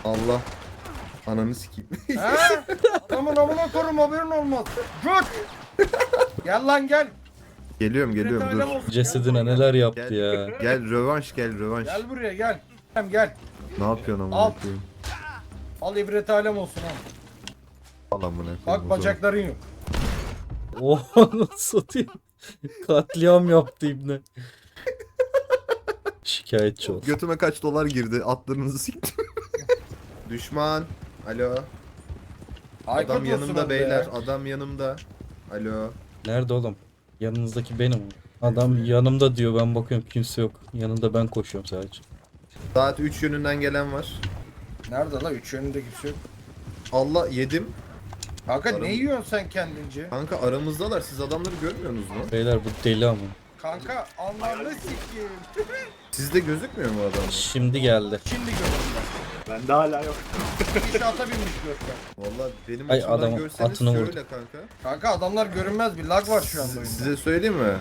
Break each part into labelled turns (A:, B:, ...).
A: Allah. Ananı sikeyim.
B: He? Adamın amına korum haberin olmaz. Göt. Gel lan gel.
A: Geliyorum
B: Detaylı
A: dur.
B: olsun.
C: Cesedine neler yaptı
A: Gel.
C: ya.
A: Gel rövanş gel rövanş.
B: Gel buraya gel. Gel.
A: Ne yapıyorsun
B: Al.
A: amına koyayım?
B: Al ibret alem olsun ha.
A: Al amına koyayım. o
B: Bak
A: zaman.
B: bacakların yok.
C: Oha satayım. Katliam yaptı ibne. Şikayetçi ol.
A: Götüme kaç dolar girdi? Atlarınızı siktim. Düşman. Alo.
B: Aykut
A: Adam
B: olsun
A: yanımda
B: orada
A: beyler.
B: ya.
A: Adam yanımda. Alo.
C: Nerede oğlum? Yanınızdaki benim. Adam yanımda diyor, ben bakıyorum kimse yok. Yanında ben koşuyorum sadece.
A: Saat 3 yönünden gelen var.
B: Nerede la? Üç yönünde kimse yok.
A: Allah yedim.
B: Kanka
A: Aram-
B: ne yiyorsun sen kendince?
A: Kanka aramızdalar. Siz adamları görmüyorsunuz mu?
C: Beyler bu deli ama.
B: Kanka anlarını sikeyim.
A: Sizde gözükmüyor mu adam?
C: Şimdi geldi.
B: Şimdi gördüm
D: Bende hala yok.
B: ben. İnşaata binmiş Görkem.
A: Valla benim
C: Ay,
A: açımdan
C: adamın
A: görseniz
C: atını
A: şöyle
C: vurdu.
A: kanka.
B: Kanka adamlar görünmez bir lag var şu anda oyunda.
A: Size söyleyeyim mi?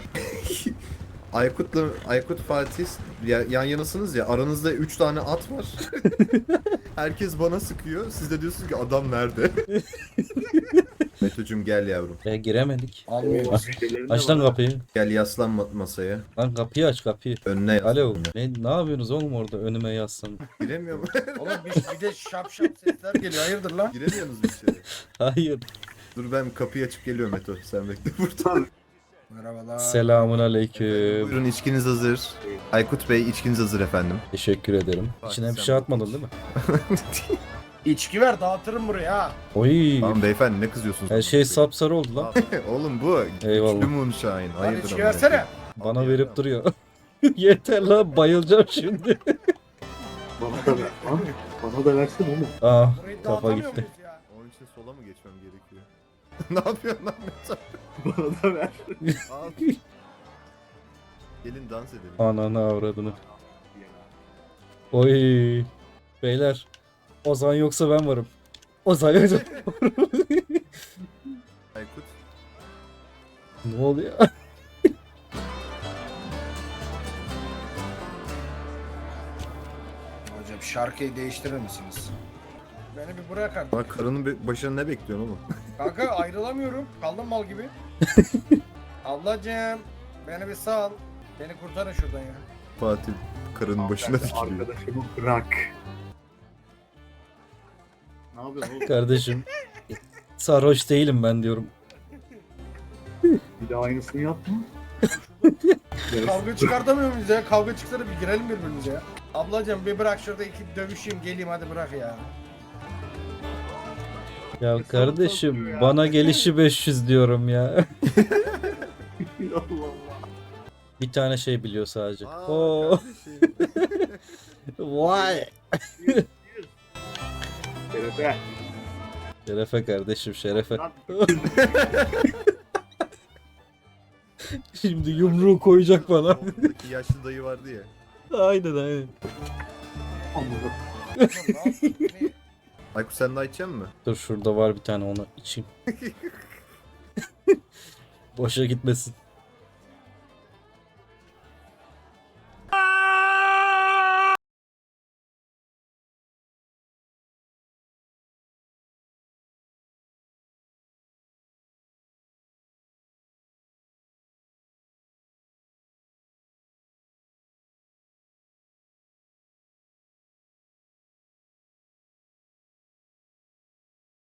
A: Aykut Fatih yan yanasınız ya, aranızda 3 tane at var. Herkes bana sıkıyor. Siz de diyorsunuz ki adam nerede? Meto'cum gel yavrum.
C: Giremedik.
B: Almıyor.
C: Aç lan kapıyı.
A: Gel yaslan masaya.
C: Lan kapıyı aç kapıyı.
A: Önüne yaslan.
C: Alo. Ne yapıyorsunuz oğlum orada önüme yazsam?
A: Giremiyorum.
B: Oğlum bir de şap sesler geliyor. Hayırdır lan?
A: Giremiyorsunuz bir şey.
C: Hayır.
A: Dur ben kapıyı açıp geliyorum Meto. Sen bekle burada.
B: Merhabalar.
C: Selamun aleyküm.
A: Buyurun içkiniz hazır. Aykut Bey içkiniz hazır efendim.
C: Teşekkür ederim.
A: Fatih,
C: İçine bir
A: sen
C: şey
A: bak
C: atmadın
A: iç.
C: değil mi?
B: İçki ver dağıtırım buraya ha.
C: Oy.
A: Tamam beyefendi ne kızıyorsunuz?
C: Her şey sapsarı oldu lan.
A: Oğlum bu.
C: Eyvallah.
A: Güçlü moonshine.
B: Lan
A: Hayırdır
B: içki
A: amına
B: versene.
A: koyayım.
C: Bana verip duruyor. Yeter lan, bayılacağım şimdi.
D: Bana da ver. Lan, bana da versin oğlum.
C: Ah,
B: Burayı
C: kafa
B: dağıtamıyor
C: gitti.
B: muyuz ya?
A: Onun için sola mı geçmem gerekiyor? Ne yapıyorsun lan Meto?
D: Bana da ver.
A: Al. Gelin dans edelim.
C: Ananı avradını. Oy. Beyler. Ozan yoksa ben varım. Ozan yoksa
A: Aykut.
C: ne oluyor?
B: Hocam şarkıyı değiştirir misiniz? Beni bir bırak artık.
A: Bak karının başına ne bekliyorsun oğlum?
B: Kanka ayrılamıyorum. Kaldım mal gibi. Ablacığım beni bir sal. Beni kurtarın şuradan ya.
A: Fatih karının başına dikiliyor.
D: Arkadaşımı bırak. Ne yapıyorsun oğlum?
C: Kardeşim. Sarhoş değilim ben diyorum.
D: Bir daha aynısını yapma.
B: Kavga çıkartamıyor muyuz ya? Kavga çıksa da bir girelim birbirimize ya. Ablacığım bir bırak şurada iki dövüşeyim geleyim hadi bırak ya.
C: Ya kardeşim bana gelişi 500 diyorum ya.
D: Allah Allah.
C: Bir tane şey biliyor sadece.
A: Aa,
C: Oo.
A: kardeşim.
C: Vay.
D: Şerefe.
C: Şerefe kardeşim şerefe.
D: Lan,
C: Şimdi yumruğu koyacak bana.
A: Oradaki yaşlı dayı vardı ya.
C: Aynen aynen.
D: amına.
B: Oğlum ne yapıyorsun? Beni-
A: Aykut sen daha içecek misin?
C: Dur şurada var bir tane, onu içeyim. Boşa gitmesin.